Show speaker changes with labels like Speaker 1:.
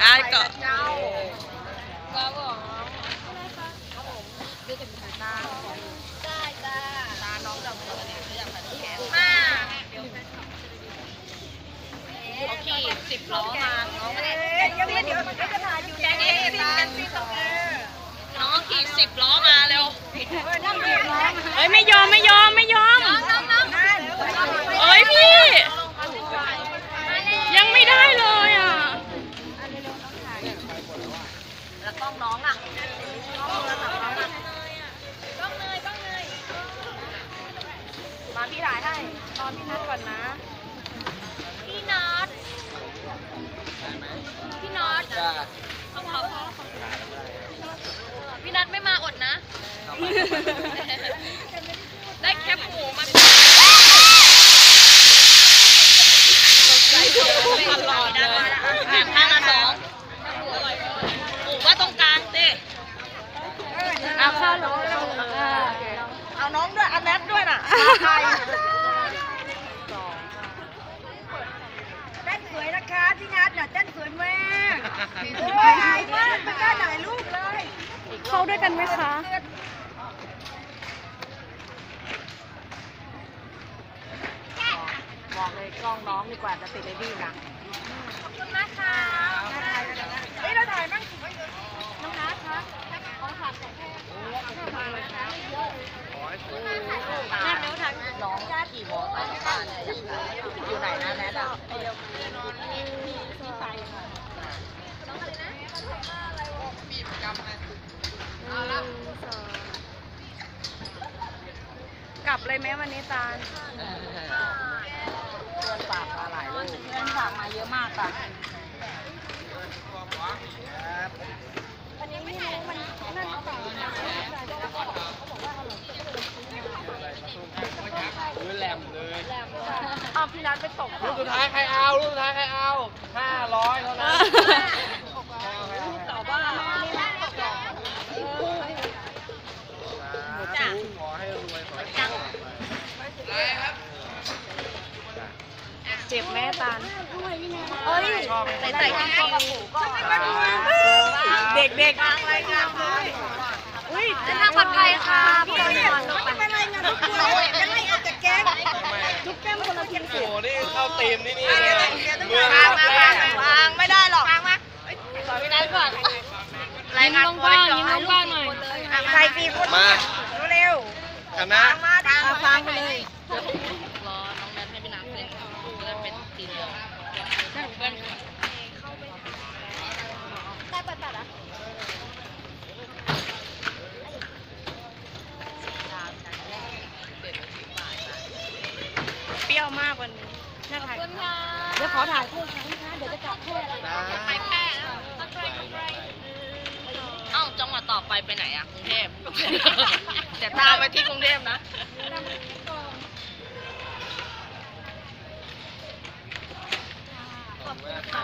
Speaker 1: ได้ก็ก็บอกดูกันตาได้จ้าตาน้องดำเนินเนี่ยอยากผัดแขกมาโอเค10 ล้อมาน้องยังไม่เดี๋ยวจะถ่ายอยู่แกนี่น้องขี่10 ล้อมาเร็ว
Speaker 2: เฮ้ยไม่ยอมเอ้ยพี่ยังไม่ได้เลยอ่ะ
Speaker 1: แล้วกล้องน้องอ่ะมาพี่ถ่ายให้ตอนพี่นัดก่อนนะพี่นัดพี่นัดไม่มาอดนะได้แคปหมูมาตลอดเลยข้างละ2หมูว่าตรงกลางสิเอาข้าวน้องเอาน้องด้วยเอาแนทด้วยน่ะใครเต้นสวยนะคะพี่นัทน่ะเต้นสวยมากโอ้ยมากไม่กล้าถ่ายรูปเลย
Speaker 2: เข้าด้วยกันไหมคะ
Speaker 1: บอกเลยกล้องน้องดีกว่าจะติดเลยดีนะขอบคุณนะคะเฮ้ยเราถ่ายมั่งน้องนัทคะของฝากของแท้น้องขี่มอเตอร์ไซค์อยู่ไหนนะแนทอ่ะ
Speaker 2: กลับเลยไหมวันนี้ตาล
Speaker 1: เพื่อนฝากมาหลายลูกเพื่อนฝากมาเยอะมากค่ะวันนี้ไม่รู้มันนั่นต่อ
Speaker 3: แหลมเลย
Speaker 1: อ้าวพี่นัทไปตก
Speaker 3: ลูกสุดท้ายใครเอา500เท่านั้น
Speaker 1: ต่อบ้าน
Speaker 3: จ้าขอให้รวยขอให้จัง
Speaker 2: เจ็บแม่ตาล
Speaker 1: เฮ้ยใส่ข้าวกับหมูก็เด็กอะไรงามเลยอุ้ยจะนั่งปลอดภัยค่ะพี่ไม่เป็นไรนะทุกคนจะให้เอาแต่แก้มทุกแก้มคนละที
Speaker 3: โอ้นี่เข้าตีมนี่
Speaker 1: เมืองวางไม่ได้หรอกวางมาขอพี่นัทก่อน
Speaker 2: ยิ้มกว้างหน่อย
Speaker 1: ใครตีคน
Speaker 3: มา
Speaker 1: เร็ว
Speaker 3: คณะ
Speaker 1: ฟังไปเลย
Speaker 2: รอน้องแนทให้พี่นัทเล่นก็จะเป็นทีเดียว
Speaker 1: ได้เปิดตัดอ่ะ
Speaker 2: เปรี้ยวมากวันนี้น่าถ่าย
Speaker 1: เดี๋ยวขอถ่ายคู่ครั้งนะคะเดี๋ยวจะกลับแพร่แล้วไปแพร่เอ้าจังหวัดต่อไปไหนอ่ะกรุงเทพแต่ตามไปที่กรุงเทพนะ